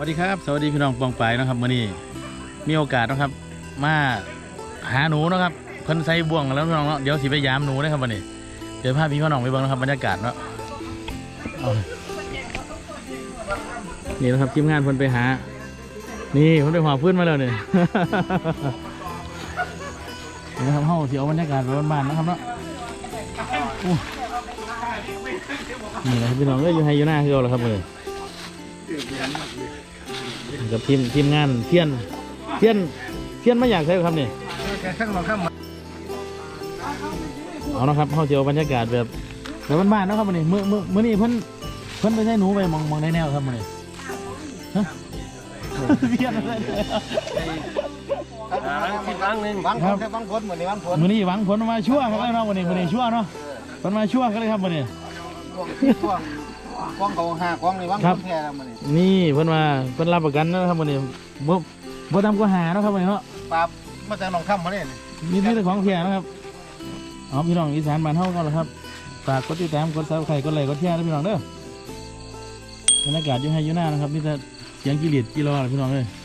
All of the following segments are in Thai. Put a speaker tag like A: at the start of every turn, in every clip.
A: วัสดีครับสวัสดีพี่น้องปองไปนะครับวันนี้มีโอกาสนะครับมาหาหนูนะครับเพิ่นใส่บ่วงแล้วพี่น้องเนาะเดี๋ยวสิไปยามหนูนะครับวันนี้เดี๋ยวพาพี่น้องไปเบิ่งนะครับบรรยากาศเนาะนี่นะครับทีมงานเพิ่นไปหานี่เพิ่นไปหาพื้นมาแล้วเนี่ยนี่นะครับเฮาสิเอาบรรยากาศไปบ้านๆนะครับเนาะนี่นะครับพี่น้องก็อยู่ให้อยู่หน้าคือเอาละครับเลยกับทีมงานเทียนไม่อยากใช่ครับนี่เอานะครับเขาจะเอาบรรยากาศแบบบ้านๆนะครับมันนี่เมื่อนี้เพิ่นไปใช้หนูไปมองได้แนวครับมันนี่เทียนอะไร
B: ครั้งหนึ่งหวังผลเหมือนในหวังผล
A: มื่อนี้หวังผลมาชั่วครับเนาะวันนี้ชั่วเนาะมันมาชั่วกันเลยครับวันนี้
B: กล้องเขา5กล้องในหวังผลแท้แล้วมัน
A: นี่เพิ่นรับประกันนะครับวันนี้บ่ทำก็หาเนาะครับวันนี้เนาะ
B: ปราบมาจากหนองค่ำมาเนี่ย
A: มีแต่ของแท้นะครับเอาพี่น้องอีสานบ้านเฮาก็แล้วครับฝากกดติดตามกดซับสไครต์กดไลค์กดแชร์นะพี่น้องเด้อบรรยากาศอยู่ให้อยู่หน้านะครับนี่แต่เสียงกิริตกิโลพี่น้องเลย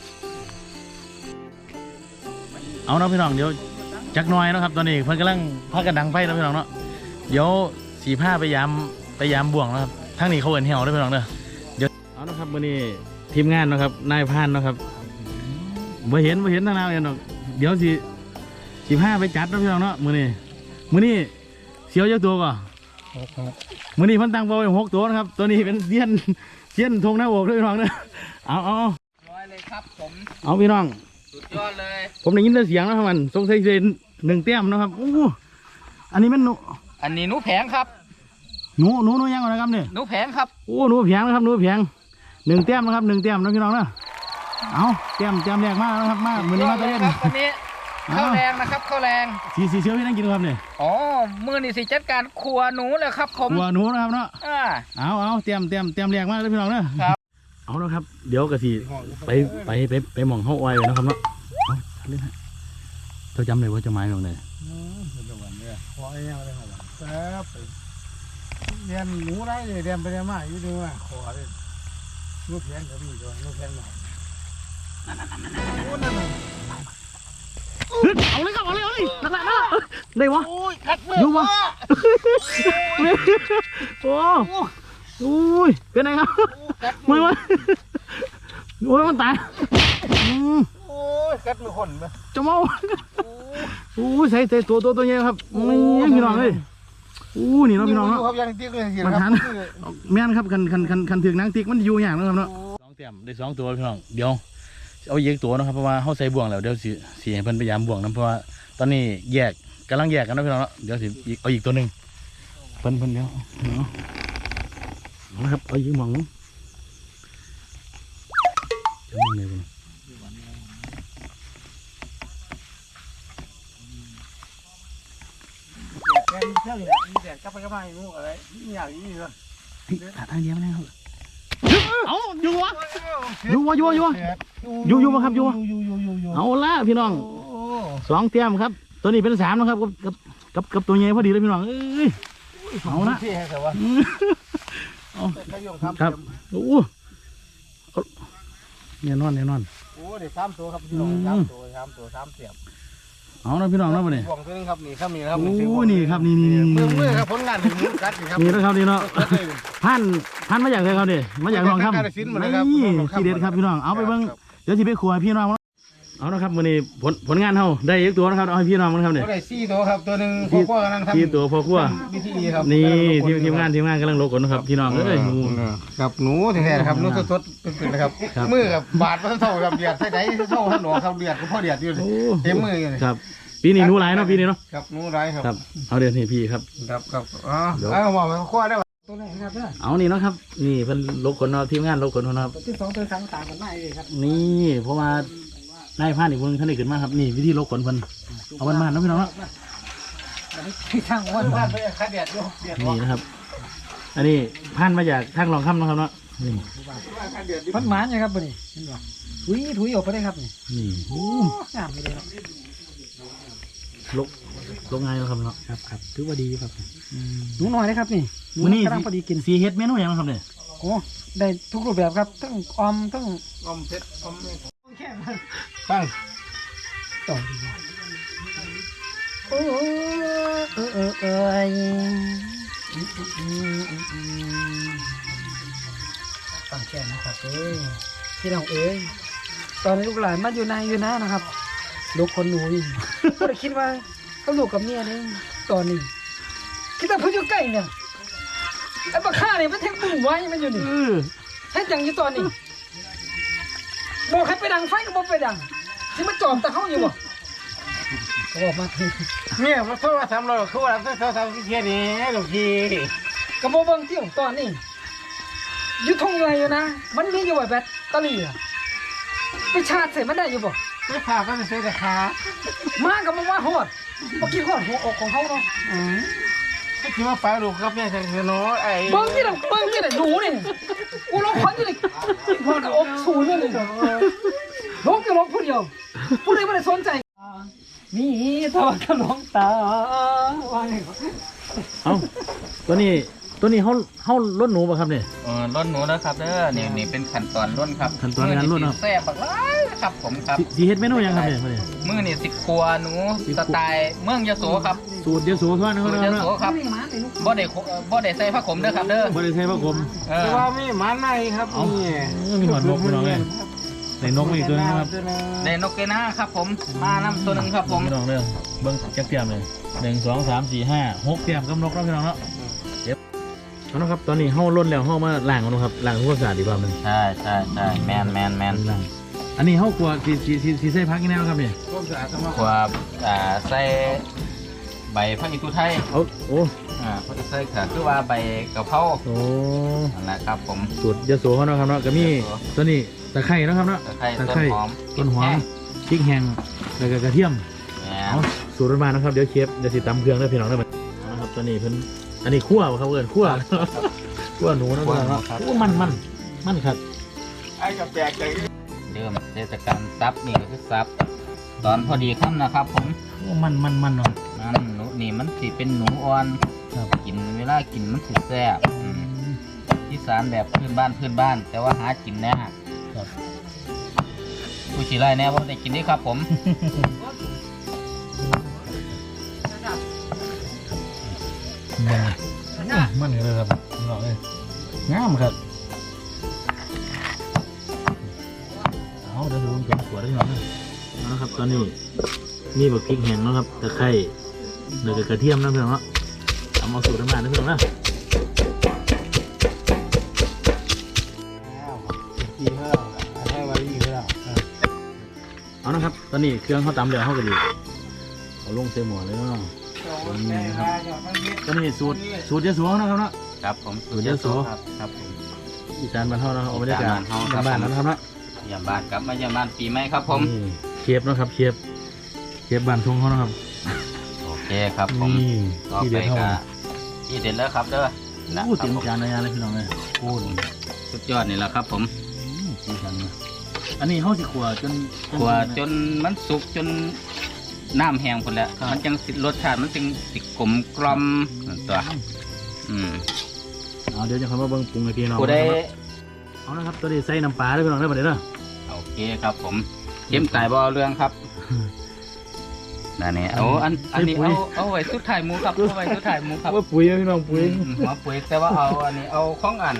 A: เอาเนาะพี่น้องเดี๋ยวจักหน่อยนะครับตอนนี้เพิ่นกำลังพากันดังไฟนะพี่น้องเนาะเดี๋ยว45ไปยามบ่วงนะครับทั้งนี้เขาเอิ้นเหี่ยวด้วยพี่น้องเด้อเดี๋ยวเอานะครับมื้อนี้ทีมงานนะครับนายพานนะครับบ่เห็นทางหน้าเลยเนาะเดี๋ยว15ไปจัดนะพี่น้องเนาะมื้อนี้เสียวเยอะตัวก่อนมื้อนี้เพิ่นตั้งเป้าไว้6ตัวนะครับตัวนี้เป็นเสี้ยนทงหน้าอกด้วยพี่น้องเด้อเอา
B: ร้อยเลยครับผม
A: เอาพี่น้อง
B: สุดยอดเลย
A: ผมได้ยินแต่เสียงนะครับมันสงสัยเป็น1 แต้มนะครับโอ้อันนี้มันหนู
B: อันนี้หนูแผงครับ
A: หนูยังก่อนนะครับเนี่ย
B: หนูแผงครับ
A: โอ้หนูแผงนะครับหนูแผง1 แต้มนะครับ1 แต้มนะพี่น้องนะเอาแต้มแรกมากนะครับมากมือนี้มาตะเล่น
B: วันนี้ข้าวแรงนะครับข้าวแรง
A: สีเชียวพี่นั่งกินครับเนี่ย
B: อ๋อมือนี่สิจัดการครัวหนูเลยครับผม
A: ครัวหนูนะครับเนาะเอาเตรียมแรกมากเลยพี่น้องนะครับเอาแล้วครับเดี๋ยวกะสิไปมองห้องอ้อยเลยนะครับเนาะเอาเล่นฮะเจ้าจำเลยว่าจะไม้ตรงไหน
B: ขอเงี้ยเลยครับเรียนหนูได้เลยเรียนไปเรียนมาอยู่ดีว่าขอเลยลูกแพงก็มีด้วยลูกแพงหน่อย
A: เอาเลยครับเอาเลยหนักได้วะอยู่วะโอ้ยเป็นไงครับไม่วะโอ้ยมันตาย
B: โอ้ยกัดมือคนไหม
A: จะเมาโอ้ยใส่ตัวใหญ่ครับไม่พี่น้องเลยนี่เนาะพี่น้องเนาะมันทันแม่นครับคันถึงนางติ๊กมันอยู่อย่างนะครับเนาะ2 แต้มได้2 ตัวพี่น้องเดี๋ยวเอาอีกตัวนะครับเพราะว่าเขาใส่บ่วงแล้วเดี๋ยวสิให้เพิ่นพยายามบ่วงนะเพราะว่าตอนนี้กำลังแยกกันนะพี่น้องเนาะเดี๋ยวสิเอาอีกตัวหนึ่งเพิ่นเดี๋ยวเนาะนะครับเอาอีกหม่องจะมองเลย
B: เรื่องเนี่ยมีแต่กลับไปกลับมาอยู่อะไรนี่อย่างนี้เลย
A: ทางเดียวนะครับเอาอยู่วะมาครับอยู่เอาละพี่น้อง2 แต้มครับตัวนี้เป็น3นะครับกับตัวใหญ่พอดีเลยพี่น้องเอ้ยเอาละครับโอ้เนี่ยนอน
B: โอ้เดี๋ยว3 ตัวครับพี่น้อง3 ตัว3 เสียบ
A: เอาละพี่น้องนะวันนี้
B: บ่วงตัวนึงครับนี่ครับครับ
A: โอ้นี่ครับนี่
B: มือครับผลงานถึงมือกัดครับ
A: นี่นะครับนี่เนาะพันมาจากไหนครับนี่มาจากน้องครับนี่ที่เด็ดครับพี่น้องเอาไปเบิ้งเดี๋ยวที่ไปครัวพี่น้องเอานะครับวันนี้ผลงานเขาได้อีกตัวนะครับเอาให้พี่น้องนะครับเนี่ย
B: ได้4 ตัวครับตัวนึงพ่อครัวกำลังทำ
A: 4 ตัวพ่อครัวนี่ทีมงานกำลังโลกนะครับพี่น้องเอ้ย
B: กับหนูแท้ๆครับหนูสดๆเป็นๆนะครับมือกับบาดมันเท่ากับเดือดใส่ไหนเท่าหันหนอครับเดือดก็พ่อเดือดอยู่เต็มมือเลย
A: ครับปีนี้หนูหลายเนาะปีนี้เนาะ
B: ครับหนูหลายครับ
A: เอาเดี๋ยวนี่พี่ครับ
B: เอาบอกมันคว้าได้ตัวไหนครับ
A: เอานี่เนาะครับนี่เป็นโลกขนเนาะทีมงานโลกขนนะครับ
B: ที่2 ตัว3ต่างกันมากเลยครับ
A: นี่เพราะว่านายพานอีกคนท่านได้ขึ้นมาครับนี่วิธีโลกขนเพิ่นเอามันมาเนาะพี่น้องเนาะ
B: ทางวันไปคัดเดือด
A: นี่นะครับอันนี้พานมาจากทางรองค่ำนะครับเนาะนี่
B: พันหมานนะครับนี่ถุยออกไปได้ครับ
A: นี่
B: งามเลย
A: ลงไงนะครับเนาะ
B: ครับถือว่าดีครับหนูน้อยนะครับนี่
A: มื้อนี้กำลังพอดีกินสีเฮ็ดเมนูอย่างครับเนี่ย
B: อ
C: โอ้ได้ทุกรูปแบบครับทั้งออมทั้ง
B: อมเพชรอม
C: แค่มัน
B: ตั้ง
C: ต่อโอ้ยฟังแค่นะครับพี่น้องตอนนี้ลูกหลานมาอยู่ในอยู่นะนะครับ ลูกคนหนูนี่ก็ได้คิดว่าเขาลูกกับเมียนี่ตอนนี้คิดว่าเพิ่งอยู่ใกล้เนี่ยไอ้ปลาข้าเนี่ยมันแทงปุ่มไว้มันอยู่นี่แทงจังอยู่ตอนนี้บอกให้ไปดังไฟก็บอกไปดังที่มันจอมตะเข้าอยู่บ่เขาบอกมาที
B: เนี่ยมาโทรศัพท์เราคือว่าโทรศัพท์ที่เทียนี่ลูกพี่
C: กระโมเบิงเที่ยวตอนนี้อยู่ทงไรอยู่นะมันมีอยู่ไว้แบตเตอรี่อะไปชาร์จใส่มันได้อยู่บ่
B: ไม่พาก็จะซื้อแต่ขา
C: มากับมันว่าหอดเมื่อกี้หอดหัวอกของเขาเนาะ
B: ก็คิดว่าป้าลูกครับเนี่ยจะเนาะไอ้
C: เบิ้งนี่แหละหนูนี่กูร้องควันอยู่นี่หอดอกสูงนี่เลยร้องก็ร้องผู้เดียวผู้ใดไม่ได้สนใจมีทว่าขนมตาว่าไง
A: เอ้าตัวนี้เขาล้นหนูป่ะครับเนี่ย
D: ร่นหนูแล้วครับเด้อนี่เป็นขั้นตอนร่นครับ
A: ขั้นตอนการร่นครับ
D: แซ่บบักหลายครับผมครับ
A: สีเฮ็ดเมนูยังครับเนี่ยมื้อนี้
D: มื้อนี่สิครัวหนูสไตล์เมืองยโสครับ
A: สูตรยโสธรนะค
D: สู
A: รับ
D: ตรย
A: เนาะ
D: โสครับบ่ได้ใส่ผ้าขมเด้อครับเด้อ
A: บ่ได้ใช้ผ้าคลุม
B: แต่ว่ามีหมาในครับนี่
A: มีหอดนกพี่น้องเลยในนกมีอีกตัวนึงนะครับ
D: ได้นกเกนาครับผมมานำตัวหนึงครับผม
A: พี่น้องเด้อเบิ่งจักเตรียมเลย1 2 3 4 5 6เตรียมกับนกแล้วพี่น้องเนาะเดี๋ยวเอานะครับตอนนี้เฮาล้นแล้วเฮามาล้างกันนะครับล้างทำความสะอาดดีกว่ามัน
D: ใช่แมน
A: ล้างอันนี้เฮากลัวสิใส่ผักอีกแนวครับนี่
B: ความสะอาดต้องมา
D: ครัวใส่ใบผักอีตูไทย
A: เอาโอ้
D: ผักอีตูไทยก็คือว่าใบกะเพรา
A: โอ้
D: นั่นแหละครับผม
A: สูตรยโสเขาเนาะครับเนาะก็มีตัวนี้ตะไคร้เนาะครับเนาะ
D: ตะไคร้ต้นหอม
A: ต้นหอมพริกแห้งแล้วก็กระเทียม
D: แหม
A: เอาสูตรมันมานะครับเดี๋ยวเชฟเดี๋ยวสิตำเครื่องได้อพี่น้องได้อเอานะครับตัวนี้เพิ่นอันนี้คั่วบ่ครับเอิ้นคั่ว คั่วหนูนะพี่น้องเนาะโอ้มันครับ
B: ไอ้กับแปลกใจ
D: เริ่มเทศกาลซับนี่ก็คือซับตอนพอดีค่ำนะครับผม
A: โอ้มันเนาะ
D: นั่นหนูนี่มันสิเป็นหนูอ่อน
A: ครับ
D: กินเวลากินมันสิแซ่บที่สารแบบพื้นบ้าน แต่ว่าหากินแน่
A: ครับ
D: ผู้ชีไรแน่ว่าได้กินนี่ครับผม
A: มันเลยครับพี่น้องเอ้ยงามครับเอาเดี๋ยวผมเก็บขวดได้พี่น้องเอาละครับตอนนี้มีบักพริกแห้งเนาะครับตะไคร้แล้วก็กระเทียมนะพี่น้องเนาะเอามาสูตรน้ำมันนะพี่น้องนะ
B: กี่เท่าให้ไว้กี่เท่า
A: เอานะครับ ตอนนี้เครื่องเขาตำเดี๋ยวเขาก็ดีเอาลงเต็มหม้อเลยเนาะนี่นะครับตอนนี้สูตรยะโสนะครับเนาะ
D: ครับผม
A: สูตรยะโส
D: ครับผม
A: อีสานบ้านเฮานะครับเอาบรรยากาศ
D: อีสานบ้านเฮาครับ
A: บ้านๆนะครับเนาะ
D: ยามบ้านกลับมายามบ้านปีใหม่ครับผม
A: นี่เชฟเนาะครับเชฟบ้านทงเขานะครับ
D: โอเคครับผม
A: นี่
D: ต่อ
A: ที่
D: ไป
A: เด็ดเท่า
D: ก็ที่เด็ดแล้วครับเด้อนะ
A: โอ้
D: ค
A: เต็
D: รับ
A: ม
D: ผม
A: จานเลยเลยพี่น้องเลยโอ้ย
D: สุดยอดนี่แหละครับผม
A: สีสันเลยอันนี้เฮาสิขัวจน
D: ขัวจนมันสุกจนน้ำแห้งหมดแล้ว
A: ครับ
D: มันจังสิรสชาติมันจึงสิกลมกล่อมนั่นตัวอืม
A: เอาเดี๋ยวจะเข้ามาเบิ่งปรุงให้พี่น้อง
D: ผู้ใด
A: เอานะครับตัวนี้ใส่น้ำปลาด้วยพี่น้องได้อบ่ได้เด้อ
D: โอเคครับผมเข้มไก่บ่เอาเรื่องครับนั่นนี่เอาอันนี้เอาไว้สุดท้ายหมูครับเอาไว้สุดท้ายหมูครับ
A: ว่าปุ๋ยพี่น้องปุ๋ย
D: หัวปุ๋ยแต่ว่าเอาอันนี้เอาของอัน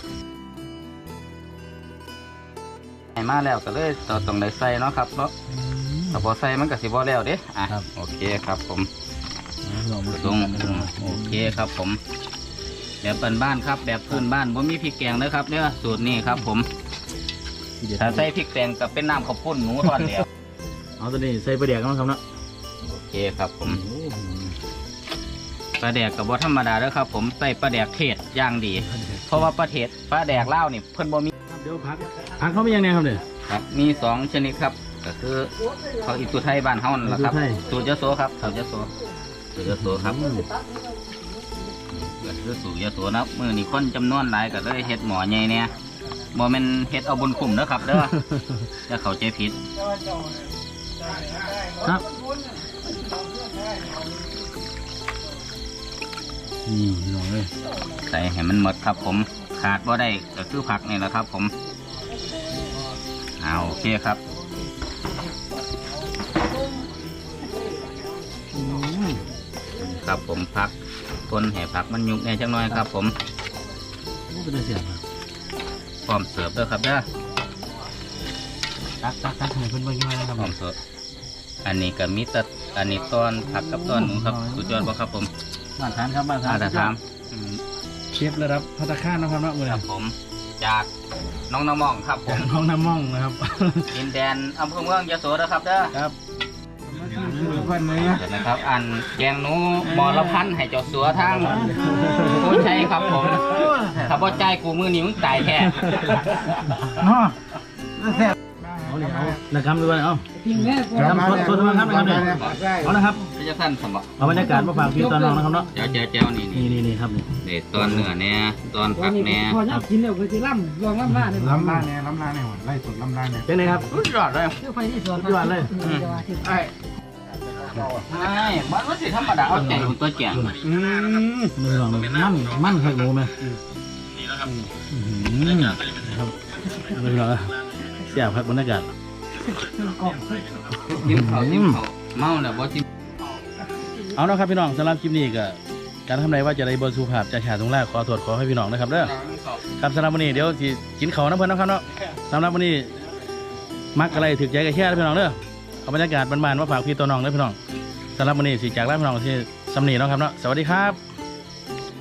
D: ให้มาแล้วก็เลยต้องได้ใส่เนาะครับเนาะถ้าบ่ใส่มันก็สิบ่แล้วเด้อ่ะโอเคครับผม
A: พี่น้องมา
D: ตรงโอเคครับผมแบบบ้านๆครับแบบพื้นบ้านบ่มีพริกแกงนะครับเนี่ยสูตรนี้ครับผมถ้าใส่พริกแกงก็เป็นน้ำข้าวปุ้นหนูทอดแล้ว
A: เอาตัวนี้ใส่ปลาแดกกันนะครับเนาะ
D: โอเคครับผมปลาแดกกับบ่ธรรมดาเด้อครับผมใส่ปลาแดกเทศอย่างดี เพราะว่าปลาแดกลาวนี่เพิ่นบ่มี
A: เดี๋ยวพักเขาไม่ยังไงครับเนี่ย
D: ครับมี2ชนิดครับก็คือเขาอีตุไทยบ้านเฮานั่นแหละครับ
A: อีตุไทย
D: สูตรยโสครับสูตรยโสครับเกิดคือสูตรยโสนะมื้อนี้คนจำนวนหลายก็เลยเฮ็ดหม้อใหญ่แน่บ่แม่นเฮ็ดเอาบุญคุ้มเด้อครับเด้อ อย่าเข้าใจผิด
A: ครับนี่พี่น้องเลย
D: ใส่ให้มันหมดครับผมขาดบ่ได้ก็คือผักนี่แหละครับผมเอาโอเคครับครับผมพักทนให้ผักมันยุบแน่จังน้อยครับผม
A: ก็เป็นเสียง
D: พร้อมเสิร์ฟด้วยครับเด้อ
A: ตักให้เพิ่นเบิ่งย่อยนะครับ
D: พร้อมเสิร์ฟอันนี้ก็มีแต่อันนี้ต้อนผักกับต้อนหมูครับสุดยอดบ่ครับผม
A: มาทานครับมาทา
D: อาน จจะถาม
A: เชฟระดับภัตตาคารนะครับเนาะมื้อ
D: ค
A: นี้
D: รับผมจากน้องน้ำมองครับผม
A: ห้องน้ำม่องนะครับ
D: ดินแดนอำเภอเมืองยโสนะครับเด้อ
A: ครับ
B: เพื่อนเลย
D: เดี๋ยวนะครับ อันแกงหนูหมอละพันให้เจ้าสัวทางโอ้ใช่ครับผมถ้าบ่ใจายกูมือนี้มึงตายแท้
B: เนาะ
A: เอาเลยเอานะครับด้วยเอา
C: พิงแม่พอ
A: ครับสดๆครับนะครับเนี่ยเอาละครับ
D: พระเจ้าท่านสมบัติ
A: เอาบรรยากาศมาฝากพี่ตอนน้องนะครับเนาะ
D: เจ้านี่
A: นี่ครับนี่
D: เด็ดตอนเนื้อแน่ตอน
C: วั
D: ผั
C: น
D: ก
C: นี้
D: แน่
C: พอยักกินแล้วก็จะล่ำลองล่ำล่าเลย
B: ล้ำล่าเนี่ยล้ำล่าเนี่ยไล่สดล้ำล่าเนี่ย
A: เป็นไงครับ
D: สุดยอดเลย
C: เชื่อไฟที่สวน
A: สุดยอดเลย
B: ไอ้
D: ใช่บ้านว่าสิธรรมดาเอาใจอยู่ตัวแก่ง
A: มือลองมันเคยงูไหมครับมือลองเสียบครับบรรยากาศ
D: ยิ้มเขาเมาแล้วบ่จิ้ม
A: เอาเนาะครับพี่น้องสำหรับคลิปนี้ก็การทำไรว่าจะได้บนสุภาพจะฉาดตรงแรกขอตรวจขอให้พี่น้องนะครับเด้อครับสำหรับวันนี้เดี๋ยวสิกินเขาวนะเพื่อนนะครับเนาะสำหรับวันนี้มักอะไรถึกใจกับแค่พี่น้องเด้อเอาบรรยากาศบ้านๆมาฝากพี่ตัวน้องเด้อพี่น้องสำหรับวันนี้สิจากลาพี่น้องที่สำนีเนาะครับเนาะสวัสดีครับ